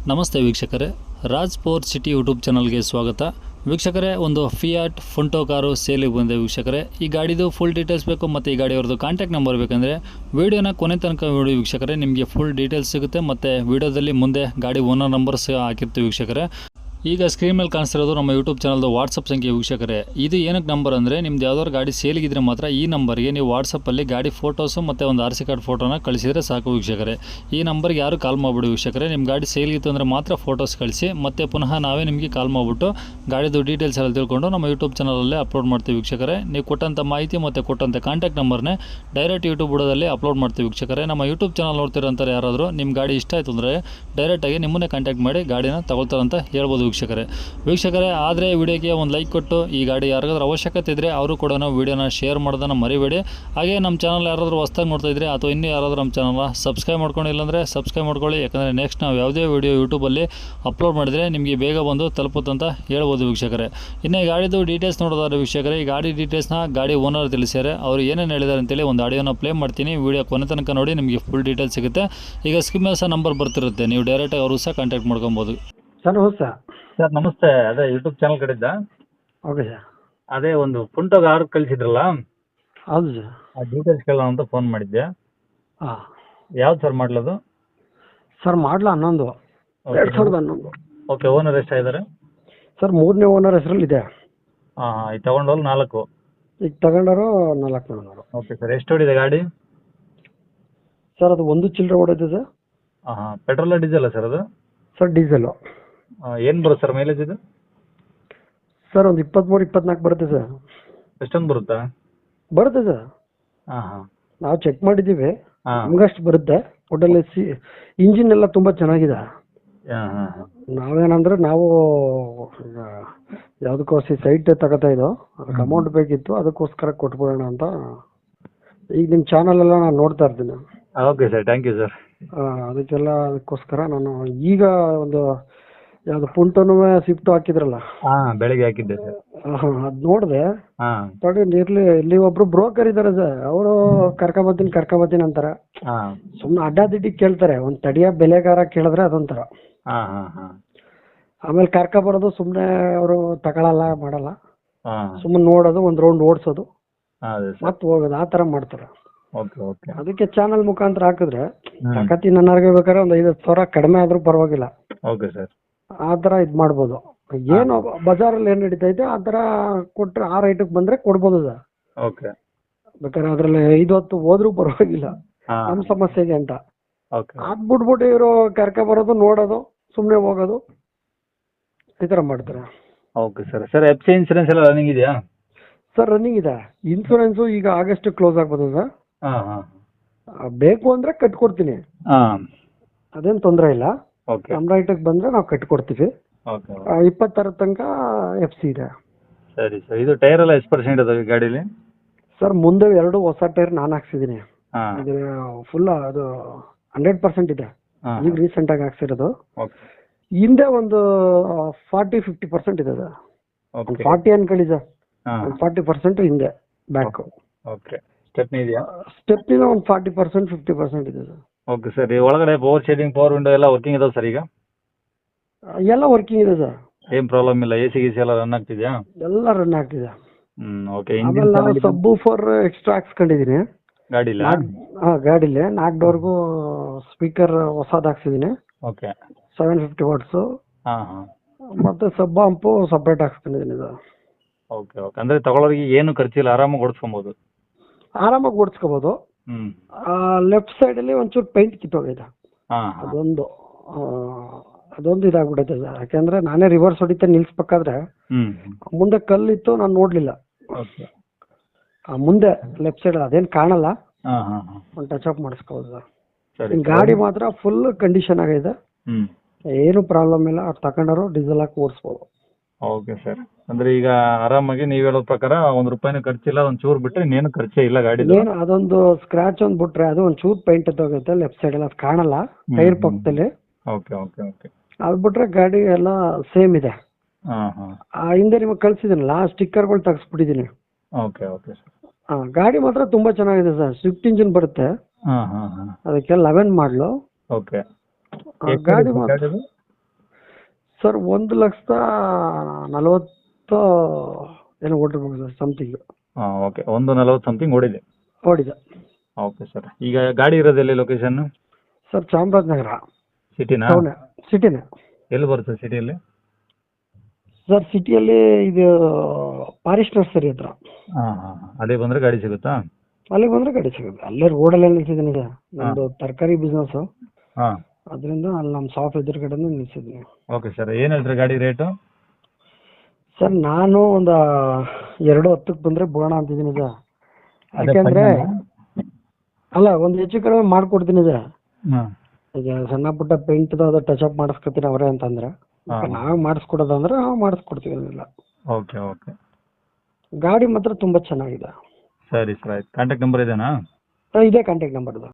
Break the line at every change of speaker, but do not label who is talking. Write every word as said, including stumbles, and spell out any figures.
ನಮಸ್ತೆ ವೀಕ್ಷಕರೇ, Raj sport city YouTube ಚಾನಲ್ಗೆ ಸ್ವಾಗತ. ವೀಕ್ಷಕರೇ, ಒಂದು ಫಿಯಾಟ್ ಫುಂಟೋ ಕಾರು ಸೇಲಿಗೆ ಬಂದಿದೆ ವೀಕ್ಷಕರೇ. ಈ ಗಾಡಿದು ಫುಲ್ ಡೀಟೇಲ್ಸ್ ಬೇಕು ಮತ್ತು ಈ ಗಾಡಿಯವ್ರದ್ದು ಕಾಂಟ್ಯಾಕ್ಟ್ ನಂಬರ್ ಬೇಕಂದರೆ ವೀಡಿಯೋನ ಕೊನೆ ತನಕ ನೋಡಿ ವೀಕ್ಷಕರೇ, ನಿಮಗೆ ಫುಲ್ ಡೀಟೇಲ್ಸ್ ಸಿಗುತ್ತೆ. ಮತ್ತು ವೀಡಿಯೋದಲ್ಲಿ ಮುಂದೆ ಗಾಡಿ ಓನರ್ ನಂಬರ್ಸ್ ಹಾಕಿರ್ತೀವಿ ವೀಕ್ಷಕರೇ. ಈಗ ಸ್ಕ್ರೀನ್ ಮೇಲೆ ಕಾಣಿಸ್ತಿರೋದು ನಮ್ಮ ಯೂಟ್ಯೂಬ್ ಚಾನಲ್ದು ವಾಟ್ಸಪ್ ಸಂಖ್ಯೆ ವೀಕ್ಷಕರೇ. ಇದು ಏನಕ್ಕೆ ನಂಬರ್ ಅಂದರೆ, ನಿಮ್ದು ಯಾವ್ದಾದ್ರು ಗಾಡಿ ಸೇಲಿಗಿದ್ರೆ ಮಾತ್ರ ಈ ನಂಬರ್ಗೆ ನೀವು ವಾಟ್ಸಪ್ಪಲ್ಲಿ ಗಾಡಿ ಫೋಟೋಸು ಮತ್ತು ಒಂದು ಆರ್ ಸಿ ಕಾರ್ಡ್ ಫೋಟೋನ ಕಳಿಸಿದರೆ ಸಾಕು ವೀಕ್ಷಕರೇ. ಈ ನಂಬರ್ಗೆ ಯಾರು ಕಾಲ್ ಮಾಡಿಬಿಡಿ ವೀಕ್ಷಕರೇ. ನಿಮ್ಮ ಗಾಡಿ ಸೇಲ್ಗಿತ್ತು ಅಂದರೆ ಮಾತ್ರ ಫೋಟೋಸ್ ಕಳಿಸಿ, ಮತ್ತು ಪುನಃ ನಾವೇ ನಿಮಗೆ ಕಾಲ್ ಮಾಡಿಬಿಟ್ಟು ಗಾಡಿದು ಡೀಟೇಲ್ಸ್ ಎಲ್ಲ ತಿಳ್ಕೊಂಡು ನಮ್ಮ ಯೂಟ್ಯೂಬ್ ಚಾನಲಲ್ಲೇ ಅಪ್ಲೋಡ್ ಮಾಡ್ತೀವಿ ವೀಕ್ಷಕರೇ. ನೀವು ಕೊಟ್ಟಂಥ ಮಾಹಿತಿ ಮತ್ತು ಕೊಟ್ಟಂಥ ಕಾಂಟ್ಯಾಕ್ಟ್ ನಂಬರ್ನೇ ಡೈರೆಕ್ಟ್ ಯೂಟ್ಯೂಬ್ ಬುಡದಲ್ಲಿ ಅಪ್ಲೋಡ್ ಮಾಡ್ತೀವಿ ವೀಕ್ಷಕರೇ. ನಮ್ಮ ಯೂಟ್ಯೂಬ್ ಚಾನಲ್ ನೋಡ್ತಿರೋಂಥವ್ರು ಯಾರಾದರೂ ನಿಮ್ಮ ಗಾಡಿ ಇಷ್ಟ ಆಯಿತು ಅಂದರೆ ಡೈರೆಕ್ಟಾಗಿ ನಿಮ್ಮನ್ನೇ ಕಾಂಟ್ಯಾಕ್ಟ್ ಮಾಡಿ ಗಾಡಿನ ತಗೊಳ್ತಾರಂತ ಹೇಳ್ಬೋದು ವೀಕ್ಷಕರೇ. ವೀಕ್ಷಕರೇ, ಆದರೆ ವಿಡಿಯೋಗೆ ಒಂದು ಲೈಕ್ ಕೊಟ್ಟು ಈ ಗಾಡಿ ಯಾರಿಗಾದ್ರೂ ಅವಶ್ಯಕತೆ ಇದ್ದರೆ ಅವರು ಕೂಡ ವೀಡಿಯೋನ ಶೇರ್ ಮಾಡೋದನ್ನು ಮರಿಬೇಡಿ. ಹಾಗೆ ನಮ್ಮ ಚಾನಲ್ ಯಾರಾದರೂ ಹೊಸ್ದಾಗಿ ನೋಡ್ತಾ ಇದ್ದರೆ ಅಥವಾ ಇನ್ನೂ ಯಾರಾದರೂ ನಮ್ಮ ಚಾನಲ್ನ ಸಬ್ಸ್ಕ್ರೈಬ್ ಮಾಡ್ಕೊಂಡಿಲ್ಲ ಅಂದರೆ ಸಬ್ಸ್ಕ್ರೈಬ್ ಮಾಡ್ಕೊಳ್ಳಿ. ಯಾಕಂದರೆ ನೆಕ್ಸ್ಟ್ ನಾವು ಯಾವುದೇ ವೀಡಿಯೋ ಯೂಟ್ಯೂಬಲ್ಲಿ ಅಪ್ಲೋಡ್ ಮಾಡಿದರೆ ನಿಮಗೆ ಬೇಗ ಬಂದು ತಲುಪುತ್ತಂತ ಹೇಳ್ಬೋದು ವೀಕ್ಷಕರೇ. ಇನ್ನು ಈ ಗಾಡಿದು ಡೀಟೇಲ್ಸ್ ನೋಡೋದಾದ್ರೆ ವೀಕ್ಷಕರೇ, ಈ ಗಾಡಿ ಡೀಟೇಲ್ಸ್ನ ಗಾಡಿ ಓನರ್ ತಿಳಿಸ್ಯಾರೆ. ಅವರು ಏನೇನು ಹೇಳಿದ್ದಾರೆ ಅಂತೇಳಿ ಒಂದು ಆಡಿಯೋನ ಪ್ಲೇ ಮಾಡ್ತೀನಿ. ವೀಡಿಯೋ ಕೊನೆ ತನಕ ನೋಡಿ, ನಿಮಗೆ ಫುಲ್ ಡೀಟೇಲ್ಸ್ ಸಿಗುತ್ತೆ. ಈಗ ಸ್ಕ್ರೀನ್ ಮೇಲೆ ಸಹ ನಂಬರ್ ಬರ್ತಿರುತ್ತೆ, ನೀವು ಡೈರೆಕ್ಟಾಗಿ ಅವರು ಸಹ ಕಾಂಟ್ಯಾಕ್ಟ್ ಮಾಡ್ಕೊಬೋದು.
ಸರ್ ನಮಸ್ತೆ.
ಸರ್ ನಮಸ್ತೆ. ಅದೇ ಯೂಟ್ಯೂಬ್ ಚಾನಲ್ ಕಡೆಯಿಂದ
ಓಕೆ ಸರ್.
ಅದೇ ಒಂದು ಫುಂಟೋ ಕಾರ್ ಕಳಿಸಿದ್ರಲ್ಲ,
ಹೌದು ಸರ್.
ಆ ಡೀಟೇಲ್ಸ್ ಕೇಳೋಣ ಅಂತ ಫೋನ್ ಮಾಡಿದ್ದೆ.
ಹಾಂ
ಯಾವ್ದು ಸರ್ ಮಾಡಲದು?
ಸರ್ ಮಾಡಲ ಹನ್ನೊಂದು ಎರಡು ಸಾವಿರದ ಹನ್ನೊಂದು.
ಓಕೆ. ಓನರ್ ಎಷ್ಟಾಗಿದ್ದಾರೆ?
ಸರ್ ಮೂರನೇ ಓನರ್ ಹೆಸರಲ್ಲಿ ಇದೆ.
ಹಾಂ ಹಾಂ ಈಗ ತೊಗೊಂಡೋರು ನಾಲ್ಕು.
ಈಗ ತಗೊಂಡವರು ನಾಲ್ಕು ಓನರು.
Okay sir. ಎಷ್ಟು ಹೊಡಿದೆ ಗಾಡಿ?
ಸರ್ ಅದು ಒಂದು ಚಿಲ್ಲರೆ ಓಡೈತೆ ಸರ್.
ಹಾಂ ಹಾಂ ಪೆಟ್ರೋಲ ಡೀಸೆಲ್ಲ ಸರ್ ಅದು?
Sir diesel.
ಏನು ಬರುತ್ತೆ ಸರ್ ಮೈಲೇಜ್ ಇದು?
ಸರ್ ಒಂದು ಇಪ್ಪತ್ತ್ಮೂರು ಇಪ್ಪತ್ನಾಲ್ಕು ಬರುತ್ತೆ ಸರ್.
ಎಷ್ಟೊಂದು ಬರುತ್ತಾ?
ಬರುತ್ತೆ ಸರ್.
ಹಾಂ ಹಾಂ
ನಾವು ಚೆಕ್ ಮಾಡಿದ್ದೀವಿ,
ಹಾಂ
ನಮಗಷ್ಟು ಬರುತ್ತೆ. ಒಟ್ಟಲ್ಲಿ ಸಿ ಇಂಜಿನ್ ಎಲ್ಲ ತುಂಬ ಚೆನ್ನಾಗಿದೆ.
ಹಾಂ ಹಾಂ ಹಾಂ
ನಾವೇನಂದ್ರೆ ನಾವು ಯಾವುದಕ್ಕೋಸ್ಕರ ಸೈಟ್ ತಗೋತಾ ಇದ್ದೋ, ಅದಕ್ಕೆ ಅಮೌಂಟ್ ಬೇಕಿತ್ತು, ಅದಕ್ಕೋಸ್ಕರ ಕೊಟ್ಬಿಡೋಣ ಅಂತ. ಈಗ ನಿಮ್ಮ ಚಾನಲ್ ಎಲ್ಲ ನಾನು ನೋಡ್ತಾ ಇರ್ತೀನಿ.
Okay sir, thank you sir.
ಅದಕ್ಕೆಲ್ಲ ಅದಕ್ಕೋಸ್ಕರ ನಾನು ಈಗ ಒಂದು ಯಾವುದು ಪುಂಟೋನು ಸ್ವಿಫ್ಟು ಹಾಕಿದ್ರಲ್ಲ,
ಹಾಂ ಬೆಳಿಗ್ಗೆ ಹಾಕಿದ್ದೆ ಸರ್.
ಹಾಂ ಅದು ನೋಡಿದೆ.
ಹಾಂ
ತಡಿ ಇರ್ಲಿ, ಇಲ್ಲಿ ಒಬ್ರು ಬ್ರೋಕರ್ ಇದ್ದಾರೆ ಸರ್, ಅವರು ಕರ್ಕೊಂಬತ್ತೀನಿ ಕರ್ಕೊಂಬತ್ತೀನಿ ಅಂತಾರೆ.
ಹಾಂ
ಸುಮ್ಮನೆ ಅಡ್ಡಾದಿಡ್ಡಿ ಕೇಳ್ತಾರೆ. ಒಂದು ತಡಿಯ ಬೆಲೆಗಾರ ಕೇಳಿದ್ರೆ ಅದೊಂಥರ.
ಹಾಂ ಹಾಂ ಹಾಂ
ಆಮೇಲೆ ಕರ್ಕೊಬರೋದು ಸುಮ್ಮನೆ ಅವರು ತಗೊಳಲ್ಲ ಮಾಡಲ್ಲ.
ಹಾಂ
ಸುಮ್ಮನೆ ನೋಡೋದು, ಒಂದು ರೌಂಡ್ ಓಡಿಸೋದು,
ಹಾಂ ಅದೇ ಸರ್.
ಮತ್ತೆ ಹೋಗೋದು, ಆ ಥರ ಮಾಡ್ತಾರೆ.
Okay okay.
ಅದಕ್ಕೆ ಚಾನಲ್ ಮುಖಾಂತರ ಹಾಕಿದ್ರೆ
ಹ್ಮ್.
ತಕತಿ ನನ್ನರ್ಗೆ ಬೇಕಾದ್ರೆ ಒಂದು ಐದು ಸಾವಿರ ಕಡಿಮೆ ಆದ್ರೂ ಪರವಾಗಿಲ್ಲ,
ಓಕೆ ಸರ್.
ಆ ಥರ ಇದು ಮಾಡ್ಬೋದು. ಏನು ಬಜಾರಲ್ಲಿ ಏನು ನಡೀತೈತೆ ಆ ಥರ ಕೊಟ್ಟರೆ ಆ ರೇಟಿಗೆ ಬಂದರೆ ಕೊಡ್ಬೋದು ಸರ್.
ಓಕೆ.
ಬೇಕಾದ್ರೆ ಅದರಲ್ಲಿ ಐದು ಹೊತ್ತು ಹೋದ್ರೂ ಪರವಾಗಿಲ್ಲ
ಹಾಂ
ನಮ್ಮ ಸಮಸ್ಯೆಗೆ ಅಂತ.
ಓಕೆ
ಅದು ಬಿಟ್ಬಿಟ್ಟು ಇವರು ಕರ್ಕೊ ಬರೋದು, ನೋಡೋದು, ಸುಮ್ಮನೆ ಹೋಗೋದು, ಈ ಥರ ಮಾಡ್ತಾರೆ.
Okay sir. Sir F C insurance ಎಲ್ಲ ರನ್ನಿಂಗ್ ಇದೆಯಾ?
ಸರ್ ರನ್ನಿಂಗ್ ಇದೆ. ಇನ್ಸೂರೆನ್ಸು ಈಗ ಆಗಸ್ಟ್ ಕ್ಲೋಸ್ ಆಗ್ಬೋದು ಸರ್.
ಹಾಂ ಹಾಂ
ಆ, ಬೇಕು ಅಂದರೆ ಕಟ್ಕೊಡ್ತೀನಿ,
ಹಾಂ
ಅದೇನು ತೊಂದರೆ ಇಲ್ಲ.
ಓಕೆ
ನಮ್ಮ ರೈಟಿಗೆ ಬಂದರೆ ನಾವು ಕಟ್ಕೊಡ್ತೀವಿ.
ಓಕೆ
ಆ, ಇಪ್ಪತ್ತರ ತನಕ ಎಫ್ ಸಿ ಇದೆ.
ಸರಿ ಸರ್. ಇದು ಟೈರ್ ಎಲ್ಲ ಎಷ್ಟು ಪರ್ಸೆಂಟ್ ಇದಾವೆ ಗಾಡೀಲಿ?
ಸರ್ ಮುಂದೆ ಎರಡು ಹೊಸ ಟೈರ್ ನಾನು ಹಾಕ್ಸಿದ್ದೀನಿ.
ಹಾಂ
ಇದು ಫುಲ್ ಅದು ಹಂಡ್ರೆಡ್ ಪರ್ಸೆಂಟ್ ಇದೆ.
ಹಾಂ
ಈಗ ರೀಸೆಂಟಾಗಿ ಹಾಕ್ಸಿರೋದು.
ಓಕೆ
ಹಿಂದೆ ಒಂದು ಫಾರ್ಟಿ ಫಿಫ್ಟಿ ಪರ್ಸೆಂಟ್ ಇದೆ ಸರ್. ಒಂದು
ಓಕೆ
ಫಾರ್ಟಿ ಅನ್ಕೊಳ್ಳಿ ಸರ್,
ಹಾಂ
ಒಂದು ಫಾರ್ಟಿ ಪರ್ಸೆಂಟ್ ಹಿಂದೆ ಬ್ಯಾಕು.
ಓಕೆ. ಸ್ಟೆಪ್ನಿ ಇದೆಯಾ?
ಸ್ಟೆಪ್ನಿನ ಒಂದು ಫಾರ್ಟಿ ಪರ್ಸೆಂಟ್ ಫಿಫ್ಟಿ ಪರ್ಸೆಂಟ್ ಇದೆ ಸರ್.
Okay sir. ಈ ಒಳಗಡೆ ಪವರ್ ಶೇರಿಂಗ್, ಪವರ್ ವಿಂಡೋ ಎಲ್ಲ ವರ್ಕಿಂಗ್ ಇದಾವೆ ಸರ್ ಈಗ?
ಎಲ್ಲ ವರ್ಕಿಂಗ್ ಇದೆ ಸರ್.
ಏನು ಪ್ರಾಬ್ಲಮ್ ಇಲ್ಲ? ಎ ಸಿ ಗಿ ಸಿ ಎಲ್ಲ ರನ್ ಆಗ್ತಿದೆಯಾ?
ಎಲ್ಲ ರನ್ ಆಗ್ತಿದೆ.
ಹ್ಞೂ ಓಕೆ.
ಆಮೇಲೆ ನಾನು
ಇಂಜಿನ್
ಸಬ್ಬು ಫೋರ್ ಎಕ್ಸ್ಟ್ರಾ ಹಾಕ್ಸ್ಕೊಂಡಿದ್ದೀನಿ
ಗಾಡಿಲ್ಲ?
ಹಾಂ ಗಾಡಿಲಿ. ನಾಲ್ಕು ಡೋರ್ಗೂ ಸ್ಪೀಕರ್ ಹೊಸದು ಹಾಕ್ಸಿದ್ದೀನಿ,
ಓಕೆ.
Seven fifty watts.
ಹಾಂ ಹಾಂ
ಮತ್ತು ಸಬ್ ಹಂಪು ಸಪ್ರೇಟ್ ಹಾಕ್ಸ್ಕೊಂಡಿದ್ದೀನಿ ಸರ್.
Okay okay. ಅಂದರೆ ತಗೊಳ್ಳೋರಿಗೆ ಏನು ಖರ್ಚಿಲ್ಲ, ಆರಾಮಾಗಿ ಓಡಿಸ್ಕೊಬೋದು?
ಆರಾಮಾಗಿ ಓಡಿಸ್ಕೋಬೋದು.
ಹ್ಞೂ
ಲೆಫ್ಟ್ ಸೈಡಲ್ಲಿ ಒಂಚೂರು ಪೇಂಟ್ ಕಿತ್ತೋಗಿದೆ,
ಹಾಂ ಹಾಂ
ಅದೊಂದು ಆ, ಅದೊಂದು ಇದಾಗ್ಬಿಟ್ಟೈತೆ ಸರ್. ಯಾಕೆಂದರೆ ನಾನೇ ರಿವರ್ಸ್ ಹೊಡಿತಾ ನಿಲ್ಲಿಸ್ಬೇಕಾದ್ರೆ
ಹ್ಞೂ
ಮುಂದೆ ಕಲ್ಲಿತ್ತು, ನಾನು ನೋಡಲಿಲ್ಲ.
ಓಕೆ.
ಮುಂದೆ ಲೆಫ್ಟ್ ಸೈಡ್ ಅದೇನು ಕಾಣಲ್ಲ,
ಹಾಂ ಹಾಂ ಹಾಂ
ಒಂದು ಟಚ್ ಅಪ್ ಮಾಡಿಸ್ಕೋಬೋದು ಸರ್.
ಸರಿ.
ಗಾಡಿ ಮಾತ್ರ ಫುಲ್ ಕಂಡೀಷನ್ ಆಗಿದೆ,
ಹ್ಞೂ
ಏನು ಪ್ರಾಬ್ಲಮ್ ಇಲ್ಲ. ಅವ್ರು ತಗೊಂಡವರು ಡೀಸೆಲ್ ಹಾಕಿ ಓಡಿಸ್ಬೋದು.
Okay sir. ಅಂದ್ರೆ ಈಗ ಆರಾಮಾಗಿ ನೀವು ಹೇಳೋ ಪ್ರಕಾರ ಒಂದು ರೂಪಾಯಿನೂ ಖರ್ಚಿಲ್ಲ, ಒಂದು ಚೂರು ಬಿಟ್ಟರೆ ಇನ್ನೇನು ಖರ್ಚೇ ಇಲ್ಲ ಗಾಡಿದು?
ಏನು ಅದೊಂದು ಸ್ಕ್ರಾಚ್ ಒಂದು ಬಿಟ್ರೆ ಅದು ಒಂದು ಚೂರು ಪೇಂಟ್ ಎತ್ತೋಗುತ್ತೆ ಲೆಫ್ಟ್ ಸೈಡ್, ಅದು ಕಾಣಲ್ಲ ಟೈರ್ ಪಕ್ಕದಲ್ಲಿ.
Okay okay okay.
ಅದು ಬಿಟ್ರೆ ಗಾಡಿ ಎಲ್ಲ ಸೇಮ್ ಇದೆ.
ಹಾಂ ಹಾಂ
ಆ ಹಿಂದೆ ನಿಮಗೆ ಕಳ್ಸಿದ್ದೀನಲ್ಲ, ಸ್ಟಿಕ್ಕರ್ಗಳು ತೆಗೆಸ್ಬಿಟ್ಟಿದ್ದೀನಿ.
Okay okay sir.
ಹಾಂ ಗಾಡಿ ಮಾತ್ರ ತುಂಬ ಚೆನ್ನಾಗಿದೆ ಸರ್. ಸ್ವಿಫ್ಟ್ ಇಂಜಿನ್ ಬರುತ್ತೆ,
ಹಾಂ ಹಾಂ ಹಾಂ
ಅದಕ್ಕೆ ಲೆವೆನ್ ಮಾಡಲು.
ಓಕೆ.
ಗಾಡಿ ಮಾತ್ರ ಸರ್ ಒಂದು ಲಕ್ಷದ ನಲವತ್ತು ಏನೋ ಓಡಿರ್ಬೇಕು ಸರ್ ಸಮಥಿಂಗ್
ಹಾಂ ಓಕೆ ಒಂದು ನಲವತ್ತು ಸಮಥಿಂಗ್ ಓಡಿದೆ.
ಓಡಿದೆ.
Okay sir. ಈಗ ಗಾಡಿ ಇರೋದು ಎಲ್ಲಿ ಲೊಕೇಶನ್ನು?
ಸರ್ ಚಾಮರಾಜನಗರ
ಸಿಟಿನಾ?
ಟೌನ್ ಸಿಟಿನೇ.
ಎಲ್ಲಿ ಬರುತ್ತೆ ಸಿಟಿಯಲ್ಲಿ?
ಸರ್ ಸಿಟಿಯಲ್ಲಿ ಇದು ಪಾರಿಸ್ ನರ್ಸರಿ ಹತ್ರ.
ಹಾಂ ಹಾಂ ಹಾಂ ಅದೇ ಬಂದರೆ ಗಾಡಿ ಸಿಗುತ್ತಾ?
ಅಲ್ಲಿಗೆ ಬಂದರೆ ಗಾಡಿ ಸಿಗುತ್ತೆ. ಅಲ್ಲೇ ರೋಡಲ್ಲೇ ನಿಲ್ಸಿದ್ದೀನಿ ಈಗ. ನಮ್ಮದು ತರಕಾರಿ ಬಿಸ್ನೆಸ್ಸು,
ಹಾಂ
ಅದರಿಂದ ಅಲ್ಲಿ ನಮ್ಮ ಶಾಪ್ ಎದುರುಗಡೆನೇ ನಿಲ್ಸಿದ್ದೀನಿ.
Okay sir. ಏನು ಹೇಳ್ತೀರಿ ಗಾಡಿ ರೇಟು?
ಸರ್ ನಾನು ಒಂದು ಎರಡು ಹತ್ತಕ್ಕೆ ಬಂದರೆ ಬೋಣ ಅಂತಿದ್ದೀನಿ ಸರ್.
ಅದೇ
ಯಾಕೆಂದರೆ
final?
ಅಲ್ಲ ಒಂದು ಹೆಚ್ಚು ಕಡಿಮೆ ಮಾಡಿಕೊಡ್ತೀನಿ ಸರ್.
ಹಾಂ
ಈಗ ಸಣ್ಣ ಪುಟ್ಟ ಪೇಂಟ್ದು ಅದು ಟಚ್ ಅಪ್ ಮಾಡಿಸ್ಕೊತೀನಿ ಅವರೇ ಅಂತಂದ್ರೆ,
ಹಾಂ.
ನಾವೇ ಮಾಡಿಸ್ಕೊಡೋದಂದ್ರೆ ನಾವು ಮಾಡಿಸ್ಕೊಡ್ತೀವಿ. ಏನಿಲ್ಲ,
ಓಕೆ ಓಕೆ
ಗಾಡಿ ಮಾತ್ರ ತುಂಬ ಚೆನ್ನಾಗಿದೆ.
ಸರಿ ಸರ್ ಆಯ್ತು. ಕಾಂಟ್ಯಾಕ್ಟ್ ನಂಬರ್ ಇದೇನಾ?
ಇದೇ ಕಾಂಟ್ಯಾಕ್ಟ್ ನಂಬರ್ ಇದು.